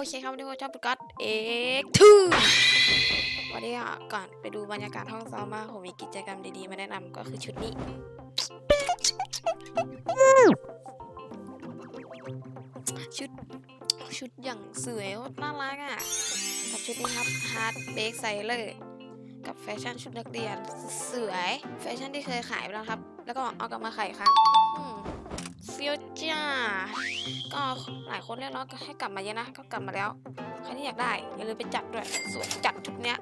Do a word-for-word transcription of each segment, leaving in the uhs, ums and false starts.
เคครับวันนี้ผมชอบปุกัสเอ็กทูวันนี้ก่อนไปดูบรรยากาศห้องซ้อมมาผมมีกิจกรรมดีๆมาแนะนำก็คือชุดนี้ชุดชุดอย่างสวยน่ารักอ่ะกับชุดนี้ครับฮาร์ดเบรกไซเลอร์กับแฟชั่นชุดนักเรียนสวยแฟชั่นที่เคยขายไปแล้วครับแล้วก็เอากลับมาขายอีกครั้งเฟี้ยวจ้าก็หลายคนเรียกร้องให้กลับมาเยอะนะก็กลับมาแล้วใครที่อยากได้อย่าลืมไปจัดด้วยสวยจัดชุดเนี้ย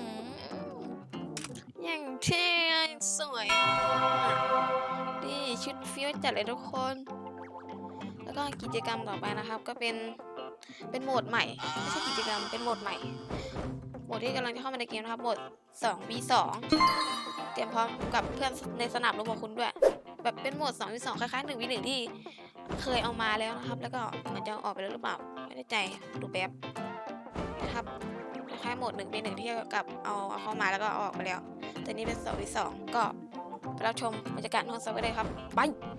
อย่างเท่สวยนี่ชุดเฟี้ยวจัดเลยทุกคนแล้วก็กิจกรรมต่อไปนะครับก็เป็นเป็นโหมดใหม่ไม่ใช่กิจกรรมเป็นโหมดใหม่โหมดที่กำลังจะเข้ามาในเกมนะครับโหมด สอง วี สอง เตรียมพร้อมกับเพื่อนในสนามรบของคุณด้วยแบบเป็นโหมด สอง วี สอง คล้ายๆ หนึ่ง วี หนึ่ง ที่เคยเอามาแล้วนะครับแล้วก็เหมือนจะออกไปแล้วหรือเปล่าไม่ได้ใจดูแบบนะครับคล้ายๆโหมด หนึ่ง วี หนึ่ง ที่กับเอาเอาเข้ามาแล้วก็ออกไปแล้วแต่นี้เป็น สอง วี สอง ก็ไปรับชมบรรยากาศห้องซ้อมกันเลยครับไป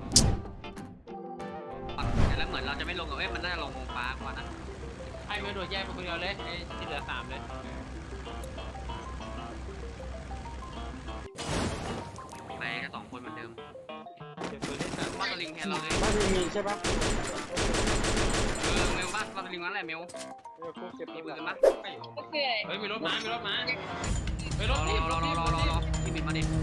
แล้วเหมือนเราจะไม่ลงกับเอ้ยมันน่าจะลงวงฟ้ากว่านะให้ไม่โดดแยกไปคนเดียวเลยไอ้ที่เหลือสามเลยไปแค่สองคนเหมือนเดิมเดี๋ยวตัวเล่นแบบบ้านตะลิงแทนเราเลยบ้านมีใช่ปะเออเมลบ้านบ้านตะลิงนั่นแหละเมลเออกูเก็บมีปืปืนนมาปะเฮ้ยมีรถม้ามีรถม้าเฮ้ยรรถอทีบรรอถรทีอบ รอรอรอที่บินมาดิ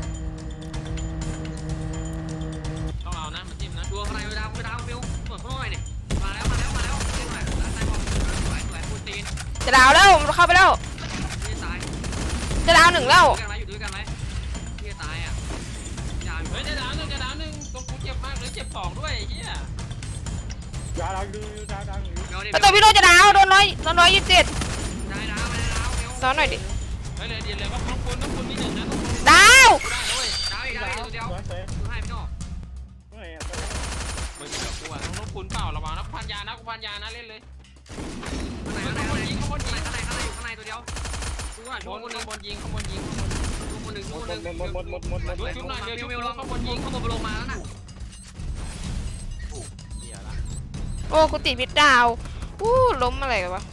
ต้องเอานะมันจิ้มนะดูอะไรไปดาวไปดาวเมลเปิดข้างนอกหน่อยดิมาแล้วมาแล้วมาแล้วเล่นหน่อยแล้วนายบอกสวยสวยปูตีนจะดาวแล้วผมเข้าไปแล้วที่ตายจะดาวหนึ่งแล้วอยู่ด้วยกันไหมอยู่ด้วยกันไหมที่ตายอ่ะยาอยู่เฮ้ยจะดาวหนึ่งจะดาวหนึ่งตรงกูเจ็บมากเลยเจ็บสองด้วยไอ้เหี้ยดาวดาวดูดาวดาวอยู่เมลดิแต่ตัวพี่โรจะดาวโดนร้อยโดนร้อยยี่สิบเจ็ดได้ดาวไม่ได้ดาวเมลซ้อนหน่อยดิเฮ้ยเลยเดียวเลยว่าต้องคุณต้องคุณมีหนึ่งนะต้องคุณดาวได้เลยดาวอีกดาวอีกตัวเดียวสวยสวยดูให้พี่โน่เฮ้ยมึงกับกูอ่ะต้องคุณเปล่าระวังนะกูพันยานะกูพันยานะเล่นเลยข้างในข้างในข้างในข้างในข้างในข้างในอยู่ข้างในตัวเดียวดูหน่อยบช่วยนคนหนึ่งบนยิงข้างบนยิงดูคนหนึ่งดูคนหนึ่งหมดหมดหมดหมดหมดหมดชุบหน่อยเดี๋ยวชุบเมลลลงงข้าข้าง งบบ นนยิยิงงข้างบนลงมาแล้วน่ะเหี้ยละโอ้กูติดพิษดาวอู้ล้มอะไรกันวะ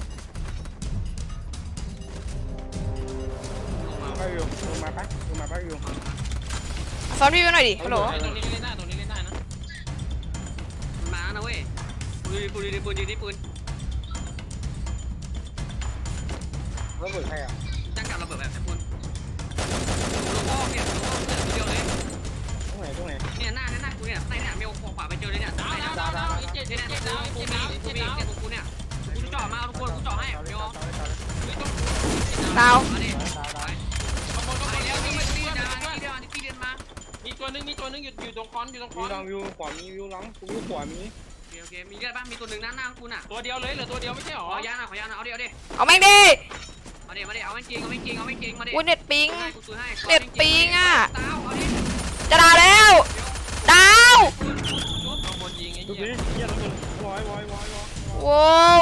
ลงมาไปอยู่ลงมาปะลงมาปะอยู่ซ้อนพี่ไปหน่อยดิฮัลโหลตรงนี้เล่นได้ตรงนี้เล่นได้นะมาแล้วนะเว้ยปืนปืนปืนปืนยิงที่ปืนแล้วเบิดใครอ่ะจ้างกับระเบิดแบบไอ้ปืนลงอ้อมเนี่ยลงอ้อมเนี่ยตัวเดียวเลยตรงไหนตรงไหนเนี่ยหน้าหน้ากูเนี่ยในเนี่ยเมลขวาไปเจอเลยเนี่ยดาวดาวดาวดาวอีเจ็ดเนี่ยเจ็ดเนี่ยดาวกูเจ็ดมีดาวกูเจ็ดมีดาวเนี่ยกูเนี่ยกูจะจ่อมาทุกคนกูจ่อให้เมลดาวมาดิดาวดาวข้างบนข้างบไปนแล้วนี่นี่นี่นี่นี่ดานี่นี่เดียวนี่พี่เรียนมามีตัวนึงมีตัวนึงอยู่อยู่ตรงคอนอยู่ตรงควิอวน ลองวิวขวามีวิวหลังวิวขวามีโอเคโอเคมีเลือดบ้างมีตัวหนึ่งหน้าหน้าคุณอ่ะตัวเดียวเลยเหลือตัวเดียวไม่ใช่หรอขอยาหน่อยขอยาหน่อยเอาดิเอาดิเอาแม่งดิมาดิมาดิเอาไม่จริงเอาไม่จริงเอาไม่จริงมาดิอุ้ยเน็ตปิงให้กูซื้อให้เน็ตปิงอ่ะดาวเอาดิจะดาวแล้วดาวข้างบนยิงไอ้ดูเหี้ยดิเยี่ยมแล้วมึงวอยวอยวอยวอยโว้ว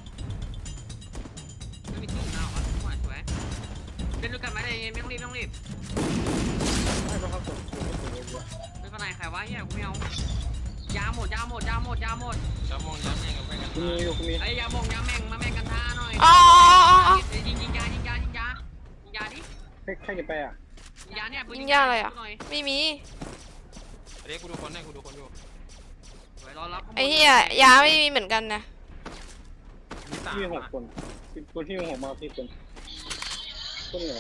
ไม่มีที่ดาวอ่ะสวยสวยเล่นด้วยกันไหมได้ไม่ต้องรีบไม่ต้องรีบให้เขาสดสวยสวยเยอะเล่นข้างในใครวะเฮียกูไม่เอายาหมดยาหมดยาหมดยาหมดจะมองย้ำยังกับแม่กันมีอยู่มีไอ้ยาบงยาแม่งมาแม่งกันท่าหน่อยอ๋อยิงยิงยายิงยายิงยายิงยาดิให้ใครจะไปอ่ะยิงยาเนี่ยยิงยาอะไรอ่ะไม่มีเดี๋ยวกูดูคนให้กูดูคนอยู่สวยรอรับไอ้เหี้ยยาไม่มีเหมือนกันนะมีสามพี่หกคนคนที่หกมาพี่คนคนเหนือ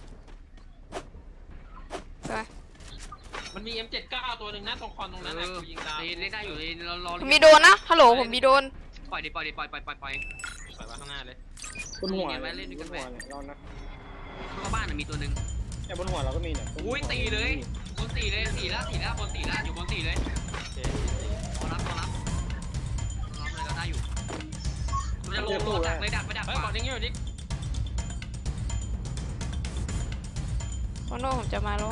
ใช่ไหมมันมี เอ็ม เจ็ดสิบเก้า ตัวหนึ่งนะตรงคอนตรงนั้นนะกูยิงดาวเล่นได้อยู่เลยเรารอผมมีโดนนะฮัลโหลผมมีโดนปล่อยดิปล่อยดิปล่อยปล่อยปล่อยปล่อยปล่อยมาข้างหน้าเลยบนหัวบนหัวเนี่ยเรานะเข้าบ้านมีตัวหนึ่งแต่บนหัวเราก็มีเนี่ยอุ้ยตีเลยบนตีเลยตีแล้วตีแล้วบนตีแล้วอยู่บนตีเลยรอรับรอรับรอเลยเราได้อยู่มันจะลงลงดักเลยดักไปดักเฮ้ยกดอย่างงี้อยู่ดิโคโน่ผมจะมาแล้ว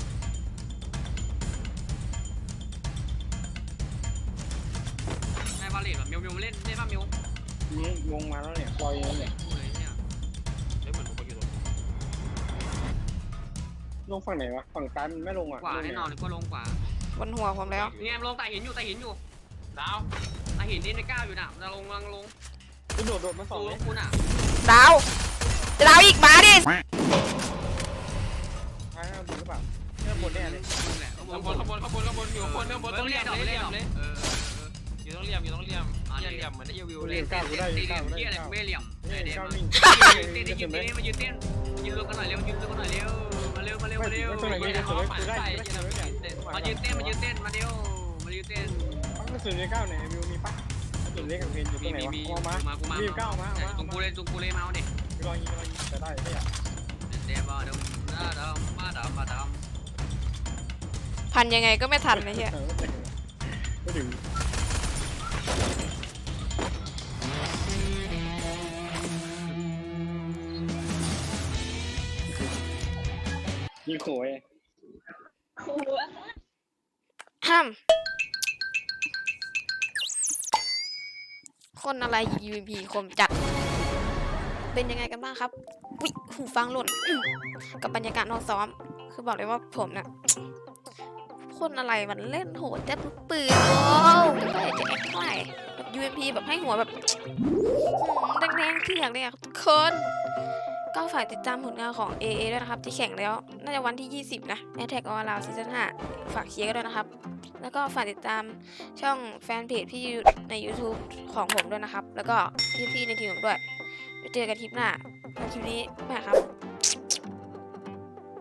ในบาเลตแบบมิวมิวเล่นเล่นป่ะมิวนี่วงมาแล้วเนี่ยลอยเนี่ยเลยเนี่ยเฮ้ยเหมือนผมอยู่ตรงลงฝั่งไหนวะฝั่งซ้ายมันไม่ลงอ่ะขวาแน่นอนเลยก็ลงขวาบนหัวผมแล้วนี่ไงลงแต่หินอยู่แต่หินอยู่ดาวแต่หินนี่ในก้าวอยู่น่ะจะลงลังลงกูโดดโดดมาสองดูเลยคุณอ่ะดาวจะดาวอีกมาดิท้ายเอาดูหรือเปล่าเนี่ยบนแน่เลยแหละข้างบนข้างบนข้างบนข้างบนอยู่ข้างบนข้างบนต้องเรียมเลยเรียมเลยเอออยู่ต้องเรียมอยู่ต้องเรียมเรียมเรียมเหมือนได้วิวกูเลเล่ยนก้าวกูได้ตีก้าวกูเหี้ยได้อะไรก้าวไม่เหลี่ยมเนี่ยเดี๋ยวก้าวมาวิ่งยืนเต้นยืนเต้นมายืนเต้นยืนรวมกันหน่อยเร็วยืนรวมกันหน่อยเร็วมาเร็วมาเร็วมาเร็วตัวไหนไม่ได้ตัวไหนกูได้ใส่กูได้ยันตัวไหนมายืนเต้นมายืนเต้นมาเร็วมายืนเต้นกระสุนในก้าวไหนวิวมีปะกระสุนเล็กกับเพนอยู่ตรมีงไหนมีวะมีเอามามากูมาวิวก้าวมาเอามาจุงกูเลยจุงกูเลยมาเอาดิรอยิงรอยิงจะได้เนี่ยเดี๋ยวมาดมมาดมมาดมมาดมพันยังไงก็ไม่ทันนะเฮียก็ถึงยิงโขยห้ามคนอะไรยูเอ็มพีคมจัด เป็นยังไงกันบ้างครับวิหูฟังหล่น กับบรรยากาศนอกซ้อม คือบอกเลยว่าผมเนี่ยคนอะไรมันเล่นโหดแจ๊บทุกปืนโอ้ไม่ได้จะแอคเท่าไหร่แบบ ยู เอ็ม พี แบบให้หัวแบบแดงๆเถือกเลยอะทุกคนก็ฝากติดตามผลงานของ เอ เอ ด้วยนะครับ ที่แข่งแล้ว น่าจะวันที่ ยี่สิบ นะ Attack on Round Season ห้า ฝากเชียร์กันด้วยนะครับ แล้วก็ฝากติดตามช่องแฟนเพจพี่ใน YouTube ของผมด้วยนะครับ แล้วก็พี่ๆในทีมผมด้วยไปเจอกันคลิปหน้าแล้วคลิปนี้ไปครับ